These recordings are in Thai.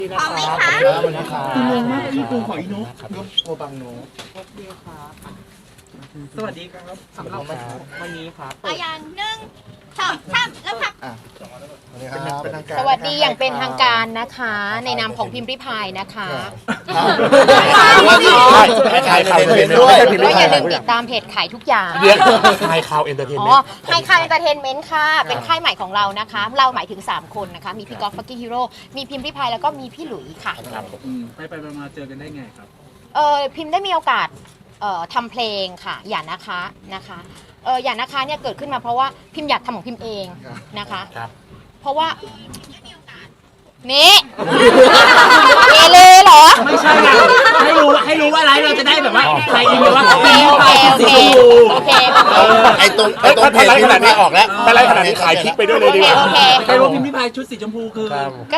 พร้อมไหมคะอีโนมากพี่ปูขออีโนโกบังโนสวัสดีครับสำหรับวันนี้ครับเอาอย่าง1 2 3แล้วค่ะสวัสดีอย่างเป็นทางการนะคะ ในนามของพิมพ์ริพายนะคะใช่ข่าวเห็นด้วยก็อย่าลืมติดตามเพจขายทุกอย่างเรียกไฮข่าวเอนเตอร์เทนอ๋เมอนต์ไฮคายเอนเตอร์เทนเมนต์ค่ะ เป็นค่ายใหม่ของเรานะคะ เราหมายถึง 3 คนนะคะ มีพี่กอล์ฟฟักกิ้งฮีโร่มีพิมพ์ริพายแล้วก็มีพี่หลุยค่ะไปมาเจอกันได้ไงครับพิมพ์ได้มีโอกาสทำเพลงค่ะอย่านะคะอย่านะคะเนี่ยเกิดขึ้นมาเพราะว่าพิมพ์อยากทำของพิมพ์เองนะคะ เพราะว่านี่เอเลยเหรอไม่ใช่ไงให้รู้ว่าไลฟ์เราจะได้แบบว่าใครอินแบบว่าโอเคไอ้ตรงเพจที่มันไม่ออกแล้วไปไล่ขนาดนี้ขายคลิกไปด้วยเลยดีกว่าโอเคใครรู้พิมพ์ริพายชุดสีชมพูคือก็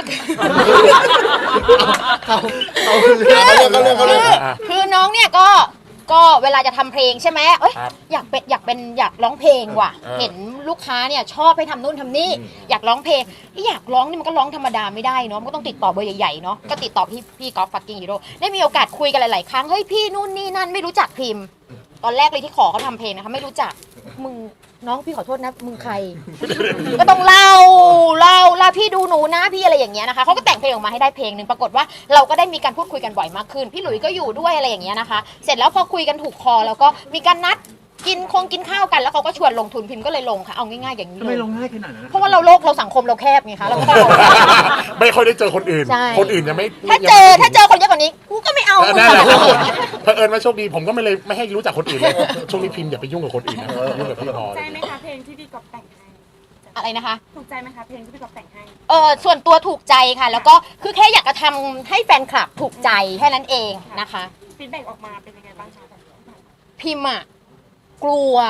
คือน้องเนี่ยก็เวลาจะทำเพลงใช่ไหมอยากร้องเพลงว่ะเห็นลูกค้าเนี่ยชอบให้ทำนู่นทำนี่อยากร้องเพลงที่อยากร้องนี่มันก็ร้องธรรมดาไม่ได้เนาะมันก็ต้องติดต่อเบอร์ใหญ่ๆเนาะก็ติดต่อพี่กอล์ฟฟักกิ้งฮีโร่ได้มีโอกาสคุยกันหลายๆครั้งเฮ้ยพี่นู่นนี่นั่นไม่รู้จักพิมพ์ตอนแรกเลยที่ขอเขาทำเพลงนะคะไม่รู้จักมึงน้องพี่ขอโทษนะมึงใคร ก็ต้องเล่าพี่ดูหนูนะพี่อะไรอย่างเงี้ยนะคะเขาก็แต่งเพลงออกมาให้ได้เพลงหนึ่งปรากฏว่าเราก็ได้มีการพูดคุยกันบ่อยมากขึ้นพี่หลุยก็อยู่ด้วยอะไรอย่างเงี้ยนะคะเสร็จแล้วพอคุยกันถูกคอแล้วก็มีการนัดกินข้าวกันแล้วเขาก็ชวนลงทุนพิมพ์ก็เลยลงค่ะเอาง่ายๆอย่างนี้ทำไมลงง่ายขนาดนั้นเพราะว่าเราสังคมเราแคบไงคะเราก็ต้องไม่ค่อยได้เจอคนอื่น คนอื่นยังไม่ถ้าเจอคนเยอะกว่านี้กูก็ไม่เอานั่นแหละเผอิญว่าโชคดีผมก็ไม่ให้รู้จักคนอื่นเลยช่วงนี้พิมพ์อย่าไปยุ่งกับคนอื่นนะยุ่งกับพี่พอถูกใจไหมคะเพลงที่พี่กอบแต่งให้อะไรนะคะถูกใจไหมคะเพลงที่พี่กอบแต่งให้ส่วนตัวถูกใจค่ะ แล้วก็คือแค่อยากจะทำให้แฟนคลับถูกใจแค่นั้นเองนะคะฟีดแบ็กออกมาเป็นยังไงบ้างคะพิมพ์อะกลัว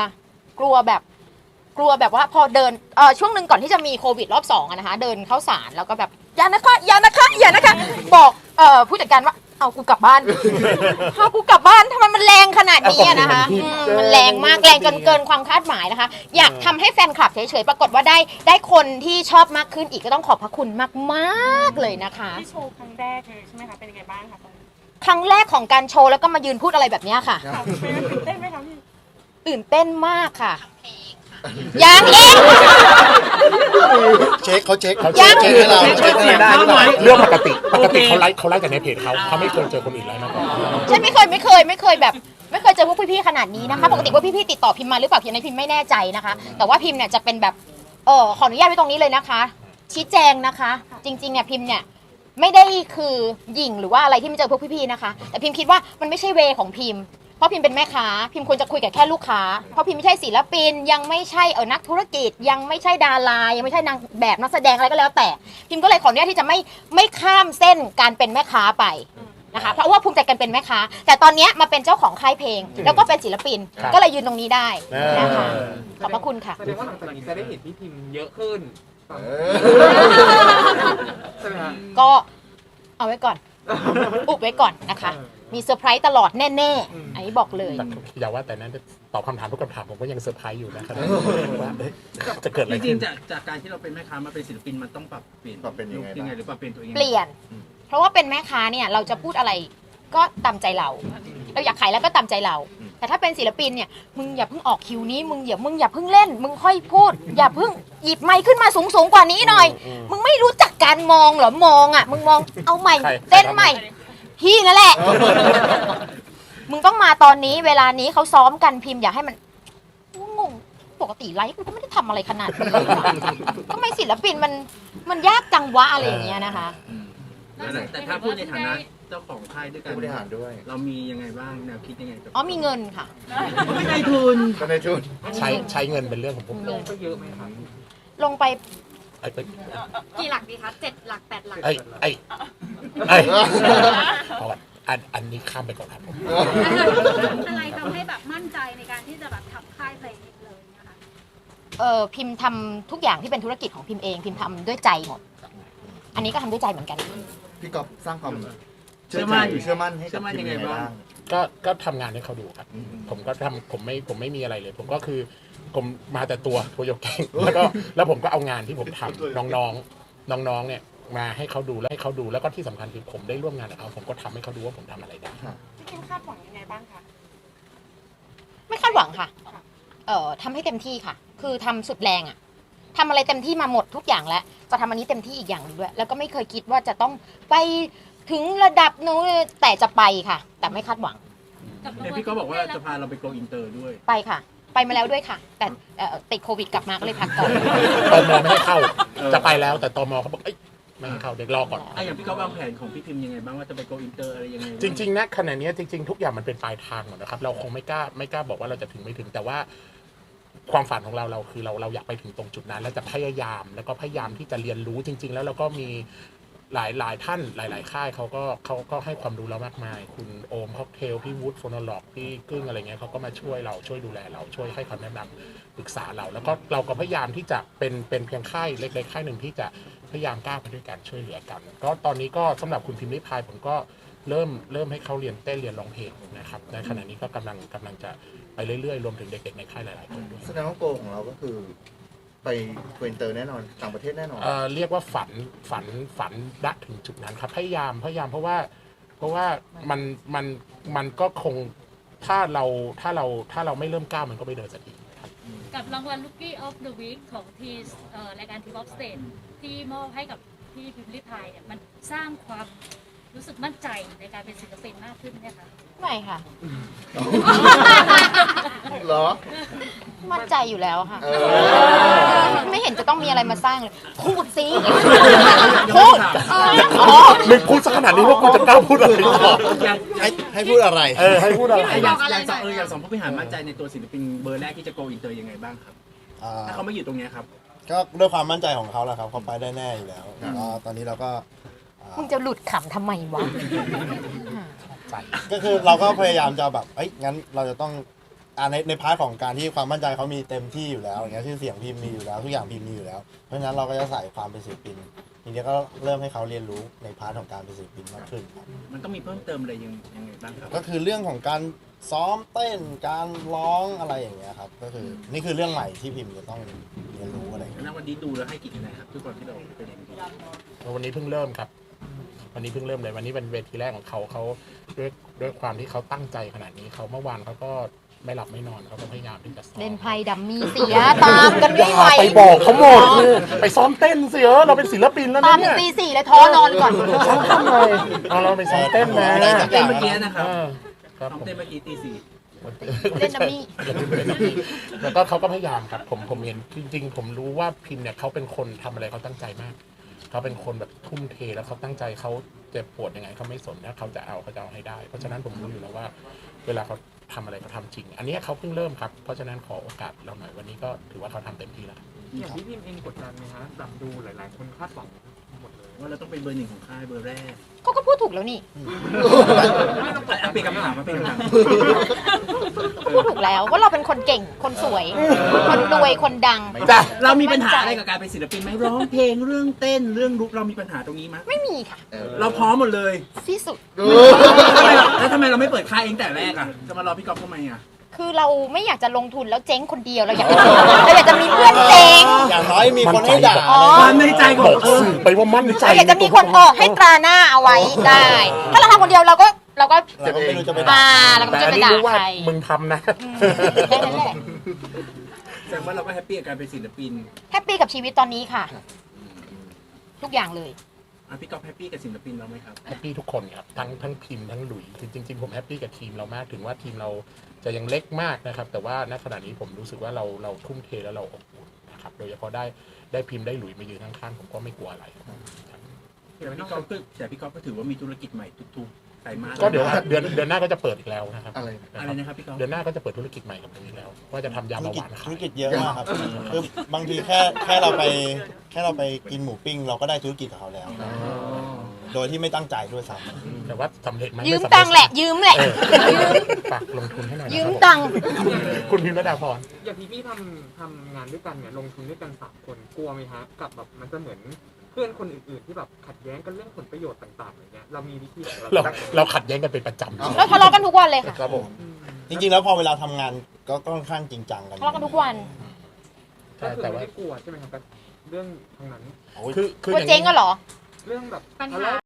แบบว่าพอเดินช่วงหนึ่งก่อนที่จะมีโควิดรอบ2อะนะคะเดินเข้าศาลแล้วก็แบบอย่านะคะบอกผู้จัดการว่าเอากูกลับบ้านทำไมมันแรงขนาดนี้อะนะคะมันแรงมากแรงจนเกินความคาดหมายนะคะอยากทำให้แฟนคลับเฉยๆปรากฏว่าได้คนที่ชอบมากขึ้นอีกก็ต้องขอบพระคุณมากๆเลยนะคะที่โชว์ครั้งแรกเลยใช่ไหมคะเป็นยังไงบ้างคะตอนนี้ครั้งแรกของการโชว์แล้วก็มายืนพูดอะไรแบบนี้ค่ะตื่นเต้นไหมคะพี่ตื่นเต้นมากค่ะยังอีกเช็คให้เราเช็คให้ได้เรื่องปกติเขาไล่จากในเพจเขาไม่เคยเจอคนอื่นไล่มาก่อนฉันไม่เคยแบบไม่เคยเจอพวกพี่ๆขนาดนี้นะคะปกติว่าพี่ๆติดต่อพิมพ์มาหรือเปล่าพิมพ์ในพิมพ์ไม่แน่ใจนะคะแต่ว่าพิมพ์เนี่ยจะเป็นแบบขออนุญาตไว้ตรงนี้เลยนะคะชี้แจงนะคะจริงๆเนี่ยพิมพ์เนี่ยไม่ได้คือหยิ่งหรือว่าอะไรที่ไม่เจอพวกพี่ๆนะคะแต่พิมพ์คิดว่ามันไม่ใช่เวของพิมพ์เพราะพิมพ์เป็นแม่ค้าพิมพ์ควรจะคุยกับแค่ลูกค้าเพราะพิมพ์ไม่ใช่ศิลปินยังไม่ใช่นักธุรกิจยังไม่ใช่ดารายังไม่ใช่นางแบบนักแสดงอะไรก็แล้วแต่พิมพ์ก็เลยขออนุญาตที่จะไม่ข้ามเส้นการเป็นแม่ค้าไปนะคะเพราะว่าภูมิใจกันเป็นแม่ค้าแต่ตอนนี้มาเป็นเจ้าของค่ายเพลงแล้วก็เป็นศิลปินก็เลยยืนตรงนี้ได้นะคะขอบพระคุณค่ะแสดงว่าหลังจากนี้จะได้เห็นพี่พิมพ์เยอะขึ้นใช่ไหมฮะก็เอาไว้ก่อนอุบไว้ก่อนนะคะมีเซอร์ไพรส์ตลอดแน่ๆอันนี้บอกเลยอย่าว่าแต่นั้นตอบคำถามทุกคำถามผมก็ยังเซอร์ไพรส์อยู่นะครับว่าจะเกิดอะไรจริขึ้งนๆจากการที่เราเป็นแม่ค้ามาเป็นศิลปินมันต้องปรับเปลี่ยนยังไงหรือปรับเปลี่ยนตัวเองเปลี่ยน เพราะว่าเป็นแม่ค้าเนี่ยเราจะพูดอะไรก็ตามใจเราอยากขายแล้วก็ตามใจเรา แต่ถ้าเป็นศิลปินเนี่ยมึงอย่าเพิ่งออกคิวนี้มึงอย่าเพิ่งเล่นมึงค่อยพูดอย่าเพิ่งหยิบไมค์ขึ้นมาสูงกว่านี้หน่อยมึงไม่รู้จักการมองเหรอมองอ่ะมึงมองเอาใหม่เต้นใหม่พี่นั่นแหละมึงต้องมาตอนนี้เวลานี้เขาซ้อมกันพิมพ์อย่าให้มันงงปกติไลฟ์กูก็ไม่ได้ทำอะไรขนาดนี้ทำไมศิลปินมันยากจังวะอะไรอย่างเงี้ยนะคะแต่ถ้าพูดในฐานะเจ้าของค่ายด้วยกันผู้บริหารด้วยเรามียังไงบ้างแนวคิดยังไงกับมีเงินค่ะไม่ได้ทุนใช้เงินเป็นเรื่องของผมลงไปเยอะไหมครับลงไปกี่หลักดีคะ7 หลัก 8 หลักอันนี้ข้ามไปก่อนครับผมอะไรทำให้แบบมั่นใจในการที่จะแบบทำค่ายเพลงเลยนะคะพิมพ์ทำทุกอย่างที่เป็นธุรกิจของพิมพ์เองพิมพ์ทำด้วยใจหมดอันนี้ก็ทำด้วยใจเหมือนกันพี่ก๊อฟสร้างความเชื่อมั่นให้กับทีมยังไงบ้างก็ทำงานให้เขาดูครับผมก็ทำผมไม่มีอะไรเลย ผมก็คือผมมาแต่ตัวโยกแกงแล้วผมก็เอางานที่ผมทำน้องๆเนี่ยมาให้เขาดูแล้วก็ที่สำคัญคือผมได้ร่วมงานกับเขาผมก็ทำให้เขาดูว่าผมทำอะไรได้พี่คิมคาดหวังยังไงบ้างคะไม่คาดหวังค่ะทำให้เต็มที่ค่ะ คือทำสุดแรงอะทำอะไรเต็มที่มาหมดทุกอย่างแล้วจะทำอันนี้เต็มที่อีกอย่างหนึงด้วยแล้วก็ไม่เคยคิดว่าจะต้องไปถึงระดับนู้นแต่จะไปค่ะ แต่ไม่คาดหวังเนี่ยพี่ก็บอกว่าจะพาเราไปโกอินเตอร์ด้วยไปค่ะ ไปมาแล้วด้วยค่ะ แต่ติดโควิดกลับมาก็เลยพักก่อนตมไม่ให้เข้าจะไปแล้วแต่ตมเขาบอกเอ้ยไม่ให้เข้าเด็กรอก่อนอย่างพี่ก็วางแผนของพี่พิมพ์ยังไงบ้างว่าจะไปโกอินเตอร์อะไรยังไงจริงๆนะขณะนี้จริงๆทุกอย่างมันเป็นปลายทางหมดนะครับเราคงไม่กล้าบอกว่าเราจะถึงไม่ถึงแต่ว่าความฝันของเราคือเราอยากไปถึงตรงจุดนั้นแล้วจะพยายามแล้วก็พยายามที่จะเรียนรู้จริง ๆ แล้วเราก็มีหลายท่านหลายค่ายเขาก็ให้ความรู้เรามากมายคุณโอมค็อกเทลพี่วูดโฟนอล็อกพี่กึ้งอะไรเงี้ยเขาก็มาช่วยเราช่วยดูแลเราช่วยให้คำแนะนำปรึกษาเราแล้วก็เราก็พยายามที่จะเป็นเพียงค่ายเล็กๆค่ายหนึ่งที่จะพยายามก้าวไปด้วยกันช่วยเหลือกันก็ตอนนี้ก็สำหรับคุณพิมพ์ริพายผมก็เริ่มให้เขาเรียนเต้นเรียนร้องเพลงนะครับในขณะนี้ก็กำลังจะไปเรื่อยๆรวมถึงเด็กๆในค่ายหลายๆคนด้วยแสดงว่าโกของเราก็คือไปโกอินเตอร์แน่นอนต่างประเทศแน่นอนเรียกว่าฝันณถึงจุดนั้นครับพยายามเพราะว่ามันก็คงถ้าเราไม่เริ่มก้าวมันก็ไม่เดินสักทีครับกับรางวัล Rookie of the Week ของทีรายการ Team of Stage ที่มอบให้กับพี่พิมพ์ริพายเนี่ยมันสร้างความรู้สึกมั่นใจในการเป็นศิลปินมากขึ้นเนี่ยค่ะไม่ค่ะเหรอมั่นใจอยู่แล้วค่ะเออไม่เห็นจะต้องมีอะไรมาสร้างเลยพูดสิพูดมึงพูดสักขนาดนี้ว่ากูจะกล้าพูดอะไรต่อให้พูดอะไรให้พูดอะไรอย่างสองผู้บริหารมั่นใจในตัวศิลปินเบอร์แรกที่จะโกอินเตอร์ยังไงบ้างครับถ้าเขาไม่อยู่ตรงนี้ครับก็ด้วยความมั่นใจของเขาแหละครับเขาไปได้แน่อยู่แล้วก็ตอนนี้เราก็มึงจะหลุดขำทำไมวะก็คือเราก็พยายามจะแบบงั้นเราจะต้องในพาร์ทของการที่ความมั่นใจเขามีเต็มที่อยู่แล้วอย่างเงี้ยชื่อเสียงพิมพ์มีอยู่แล้วทุกอย่างพิมพ์มีอยู่แล้วเพราะฉะนั้นเราก็จะใส่ความเป็นศิลปินทีนี้ก็เริ่มให้เขาเรียนรู้ในพาร์ทของการเป็นศิลปินมากขึ้นครับมันต้องมีเพิ่มเติมอะไรยังไงบ้างครับก็คือเรื่องของการซ้อมเต้นการร้องอะไรอย่างเงี้ยครับก็คือนี่คือเรื่องใหม่ที่พิมพ์จะต้องเรียนรู้อะไรอย่างเงี้ยแล้ววันนี้ดูแล้วให้กี่คะแนนครับทุกคนที่เราไปเรียนดูวันนี้เพิ่งเริ่มครับวันนี้เพิ่งเริ่มเลยวันนี้เป็นเวทีแรกของเขาด้วยความที่เขาตั้งใจขนาดนี้เขาเมื่อวานเขาก็ไม่หลับไม่นอนเขาก็พยายามที่จะซ้อมเล่นไพ่ดัมมี่เสียตามกันไม่ไหวไปบอกเขาหมดไปซ้อมเต้นสิเราเป็นศิลปินแล้วตานะมถึเนี่งยตีสี่เลยท้อนอนก่อนซ้อมทำไมเราไปซ้อมเต้นนะเต้นเมื่อกี้นะครับครับซ้อมเต้นเมื่อกี้ตีสี่เล่นดัมมี่แล้วก็เขาก็พยายามครับผมเห็นจริงๆผมรู้ว่าพิมเนี่ยเขาเป็นคนทำอะไรเขาตั้งใจมากเขาเป็นคนแบบทุ่มเทแล้วเขาตั้งใจเขาเจ็บปวดยังไงเขาไม่สนนะเขาจะเอาให้ได้เพราะฉะนั้นผมรู้อยู่แล้วว่าเวลาเขาทำอะไรเขาทำจริงอันนี้เขาเพิ่งเริ่มครับเพราะฉะนั้นขอโอกาสเราหน่อยวันนี้ก็ถือว่าเขาทำเต็มที่แล้วอย่างพี่พิมพ์เองกดดันไหมฮะแบบดูหลายๆคนคาดหวังหมดเลยว่าเราต้องเป็นเบอร์หนึ่งของค่ายเบอร์แรกเขาก็พูดถูกแล้วนี่เปลี่ยนคำถามมาเป็นคำถามพูดถูกแล้วว่าเราเป็นคนเก่งคนสวย คนรวยคนดังเรามีปัญหาอะไรกับการเป็นศิลปินไหมร้องเพลงเรื่องเต้นเรื่องลุกเรามีปัญหาตรงนี้ไหมไม่มีค่ะเราพร้อมหมดเลยที่สุดแล้วทำไมเราไม่เปิดค่ายเองแต่แรกอ่ะจะมารอพี่ก๊อฟทำไมอ่ะคือเราไม่อยากจะลงทุนแล้วเจ๊งคนเดียวเราอยากจะมีเพื่อนเจ๊งอย่างน้อยมีคนให้ด่าความในใจของไปว่ามั่นใจเราอยากจะมีคนให้ตราหน้าเอาไว้ได้ ถ้าเราทำคนเดียวเราก็เราก็ไม่รู้จะไปด่าเราก็แต่จะอันไปนี้ด่ารู้ว่าใครมึงทำนะแค่นั้นแหละแสดงว่าเราก็แฮปปี้กับการเป็นศิลปินแฮปปี้กับชีวิตตอนนี้ค่ะ ทุกอย่างเลยพี่ก๊อฟแฮปปี้กับศิลปินเราไหมครับแฮปปี้ทุกคนครับทั้งพิมพ์ทั้งหลุยคือจริงๆผมแฮปปี้กับทีมเรามากถึงว่าทีมเราจะยังเล็กมากนะครับแต่ว่าณขณะนี้ผมรู้สึกว่าเราทุ่มเทแล้วเราอบอุ่นนะครับโดยเฉพาะได้พิมพ์ได้หลุยมายืนข้างๆผมก็ไม่กลัวอะไรครับพี่ก๊อฟก็ถือว่ามีธุรกิจใหม่ทุกๆไตรมาสก็เดี๋ยวเดือนหน้าก็จะเปิดอีกแล้วนะครับอะไรอะไรนะครับพี่ก๊อฟเดือนหน้าก็จะเปิดธุรกิจใหม่กับตรงนี้แล้วว่าจะทำยาเบาหวานธุขาร ยกิจเยอะมากครับคือบางทีแค่เราไปกินหมูปิ้งเราก็ได้ธุรกิจกับเขาแล้ว โดยที่ไม่ตั้งใจด้วยซ้ำแต่ว่าสำเร็จไหมยืมตังค์แหละ ยืมแหละฝากลงทุนให้หน่อยยืมตังค์คุณพิมพ์ระดาพรอย่างพี่ทำงานด้วยกันเนี่ยลงทุนด้วยกัน3 คนกลัวไหมฮะกับแบบมันจะเหมือนเพื่อนคนอื่นๆที่แบบขัดแย้งกันเรื่องผลประโยชน์ต่างๆอย่างเงี้ยเรามีวิธีของเราเราขัดแย้งกันเป็นประจำเราทะเลาะกันทุกวันเลยค่ะครับผมจริงๆแล้วพอเวลาทำงานก็ค่อนข้างจริงจังกันทะเลาะกันทุกวันก็คือแต่ไม่ว่าได้กลัวใช่ไหมครับกับเรื่องทางนั้นคือว่าเจ๊งก็เหรอเรื่องแบบปัญหาทะเลาะ